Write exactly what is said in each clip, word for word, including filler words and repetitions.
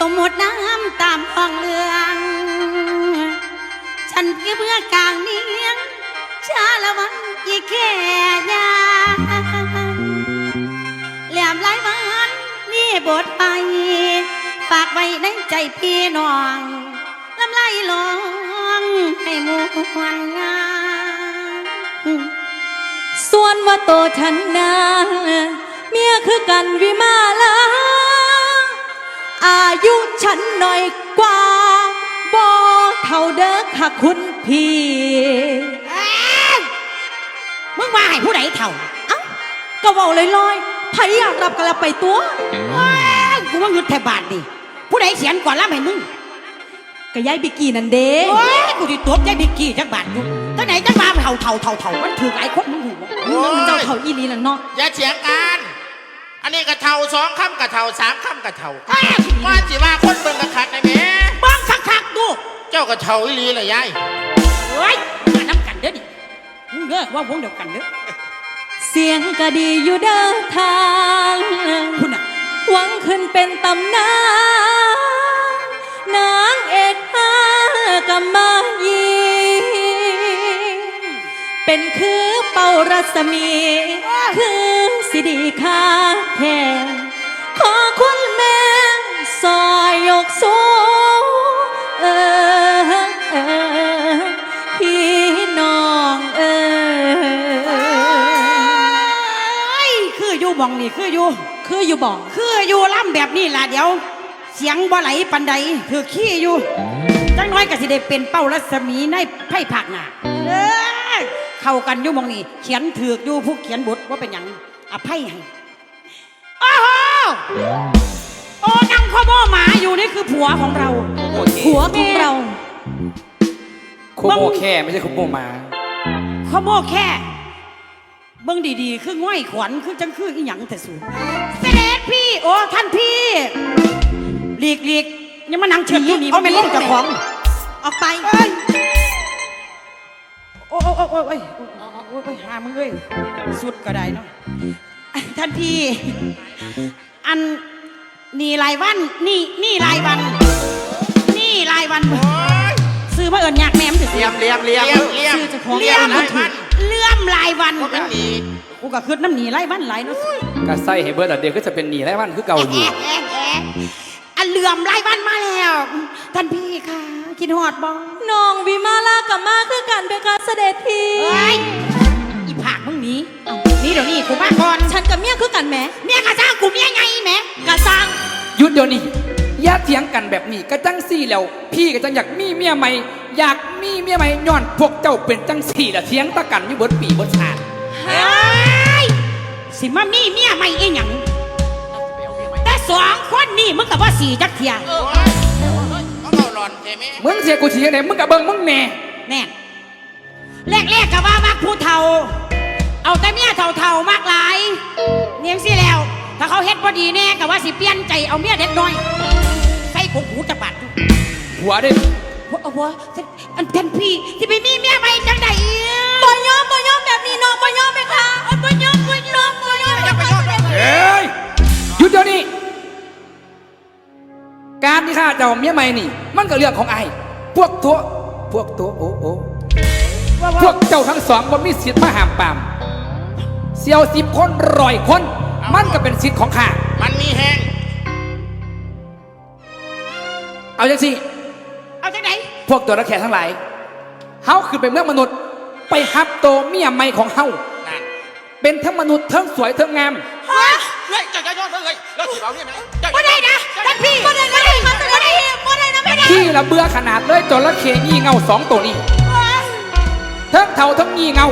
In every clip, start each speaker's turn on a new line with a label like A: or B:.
A: มมติน้ำตามคลองเลืองฉันคือเมื่อกลางเนียงชาละวันอีแค่ยาแหลมไหลมันนี่บทไปฝากไว้ในใจพี่น้องลำไล่ลองให้มวนงาน
B: ส่วนว่าโตฉันนาเมียคือกันวิมาลาอายุฉันหน่อยกว่าบ่เท่าเด้อค่ะคุณพี่
A: มึงว่าให้ผู้ใดเท่า
B: เอ้าก็เว้าลอยๆไผอยากรับกันละไปตัว
A: กูว่าหยุดแทบบาทดิผู้ใดเขียนก่อนรับให้มึง
B: ก็ยายบิกกี้นั่นเด้
A: โอ้ยกูติดตัวใจบิกกี้จักบาทอยู่ตั้งไหนจักบาทเท่าเท่าเท่าเท่ามันถือหลายคนมึงหู
B: เจ้าเท่าอีลีล่ะเนาะ
C: อย่าเถียงกันอันนี้กระเท่าสองคำกระเท่าสามคำกระเท่าว่าจิว่าคนเบิ่งกระคักในแม่
A: บ้องคักคักดู
C: เจ้ากระเท่าอีลีเลยยาย
A: เฮ้ยมาน้ำกันเด้อดิมึงเด้อว่าวงเดียวกันเด้อ
B: เสียงก็ดีอยู่เด้อทาง
A: คุณน่ะ
B: หวังขึ้นเป็นตำนานนางเอกฮากำมายีเป็นคือเป่ารัศมีคือสิดีคาแทนขอคุณแม่ซอยยกสูงเออเออพี่น้องเอ
A: อคืออยู่บ่องนี่คืออยู่
B: คืออยู่บ่อง
A: คืออยู่ล่ำแบบนี้ล่ะเดี๋ยวเสียงบ่ไหลปันใดคือขี้อยู่จังน้อยก็สิได้เป็นเป้ารัศมีในไพ่ผักหน้าเออเข้ากันอยู่มองนี่เขียนถือกอยู่ผู้เขียนบทว่าเป็นหยังอภัยให้โอ้โหโอ้นั่งข้อโม่หมาอยู่นี่คือผัวของเรา
B: ผัวของเรา
D: โคโม่แค่ไม่ใช่โคโม่หมา
A: ข้อโม่แค่เบิ่งดีๆคือง่อยขวัญคือจังคืออีหยังแต่สูงเสด็จพี่โอ้ท่านพี่หลีกหลีกยังมานั่งเชิญอยู่นี่มันเป็นลูกเจ้าของ
B: ออกไป
A: โอ้โอ้โอ้โอ้โอ้โอ้หามึงเอ้ยสุดก็ได้เนาะท่านพี่อันนี่รายวันนี่นี่รายวันนี่รายวันซื้อมาเอิญยากแม่ม
C: เลี้ยมเลี้ยมเลี้ยมเลี้ยม
A: ซื้อจะของเลี้ยมรายวันเลื่อมรายวันกูก็คืดน้ำหนีรายวันหลายเนาะ
D: ก็ใส่ให้เบิร์ดเดียวก็จะเป็นหนีรายวันคือเก่าอยู่
A: อันเลื่อมรายวันมาแล้วท่านพี่ค่ะคิดหอดบ้อง
B: น้องวิมาลากับมาคือกันเป็นการเสด็จพี่
A: อีผากมึงนี้นี่เดี๋ยวนี้กูมาก่อน
B: ฉันกับเมียคือกันแม่
A: เมียกระซังกูเมียไงแม่
B: กระซัง
D: หยุดเดี๋ยวนี้อย่าเถียงกันแบบนี้ก็จังสี่แล้วพี่ก็จังอยากมีเมียใหม่อยากมีเมียใหม่ย้อนพวกเจ้าเป็นจังสี่ละเถียงตะกันอยู่บนปีบนชาติ
A: สิมามีเมียใหม่เองหยังแต่สองคนนี่มึงกับว่าสี่จักเทีย
D: มึงเสียกูเสียไหนมึงกับเบิ้งมึงแน่
A: แน่แรกๆกับว่ามักผู้เฒ่าเอาแต่เมียเฒ่าๆมากหลายเนียงสิแล้วถ้าเขาเฮ็ดพอดีแน่กับว่าสิเปลี่ยนใจเอาเมียเด็กน้อยใส่ขงหูจะบาด
D: หัวได้
A: หัวหัวอันท่านพี่ที่ไปมีเมียใหม่จังใด
B: บ่ยอมบ่ยอมแบบนี้น้องบ่ยอมไหมคะ
A: บ่ยอมบ่ยอมบ่ยอม
D: เฮ้ยหยุดเดี๋ยวนี้การที่ข้าเจ้าเมียใหม่นี่มันก็เรื่องของไอ้พวกตัวพวกตัวโอ้โอ้พวกเจ้าทั้งสองบ่มีสิทธิ์มาห้ามปามเสี่ยวสิบคนร้อยคนมันก็เป็นสิทธิ์ของข้า
C: มันมีแห้ง
D: เอาจังสิ
A: เอาจังไหน
D: พวกตัวนักแข่งทั้งหลายเฮาคือเป็นเมืองมนุษย์ไปฮับโตเมียใหม่ของเฮาเป็นทั้งมนุษย์ทั้งสวยทั้งงาม
C: เฮ้ยเฮ้ยจะจะย้อนเลยแล้วถือเอาเนี่ยไหม
A: ไม่ได้นะท่านพี่ไม่ได้ไม่ได้ไม่ได้ไม่ได้นะไม่ได้
D: ที่ละเบื่อขนาดเลยจระเข้งี่เงาสองตัวนี้ทั้งเท่าทั้งงี่เงา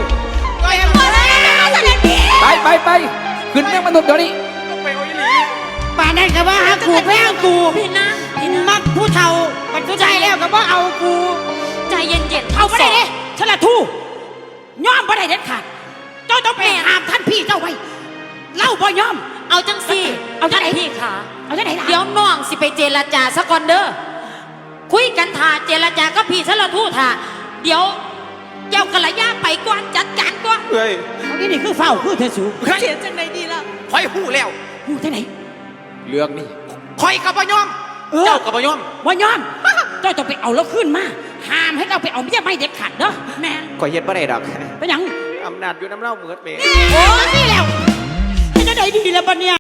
D: ไปไปไปขึ้นเมืองมนุษย์เดี๋ยวนี้
A: ป่านนั้นก็ว่าฮักกูแพ้กูพี่นะมักผู้เฒ่าบรรทุใจแล้วก็ว่าเอากู
B: ใจเย็นๆ
A: เอาไม่ได้เลยฉลาดทู่ย่อมไม่ได้เด็ดขาดเจ้าต้องไปห้ามท่านพี่เจ้าไว้เล่าบ่ย่อม
B: เอาจังสิ
A: เอาจังไหน
B: พี่ขา
A: เอาจังไหน
B: เดี๋ยวน้องสิไปเจรจาสักก่อนเด้อคุยกันท่าเจรจาก็พี่ฉลาดทู่ท่าเดี๋ยวเจ้ากระยาไปก่อนจัดการก่อน
C: เฮ้ย
A: นี่นี่คือเฝ้าคือเธอสู
B: เสียจังไหนดีล่ะ
C: คอยหู้แล้ว
A: หู้จังไหน
D: เรื่องนี้
C: คอยกับบ่ยอม
A: เออ
E: เจ้ากับบ่ยอม
A: บ่ยอมเจ้าต้องไปเอาแล้วขึ้นมาห้ามให้เราไปเอาเมียไม่เด็ดขาดเด้อแม่
E: ข่อยเฮ็ดบ่ได้ดอก
A: เป็นหยัง
E: อำนาจอยู่น้ำเล่าเหมือดเม
A: โอ้ยนี่แล้วให้จะได้ดีแล้วปะเนี่ย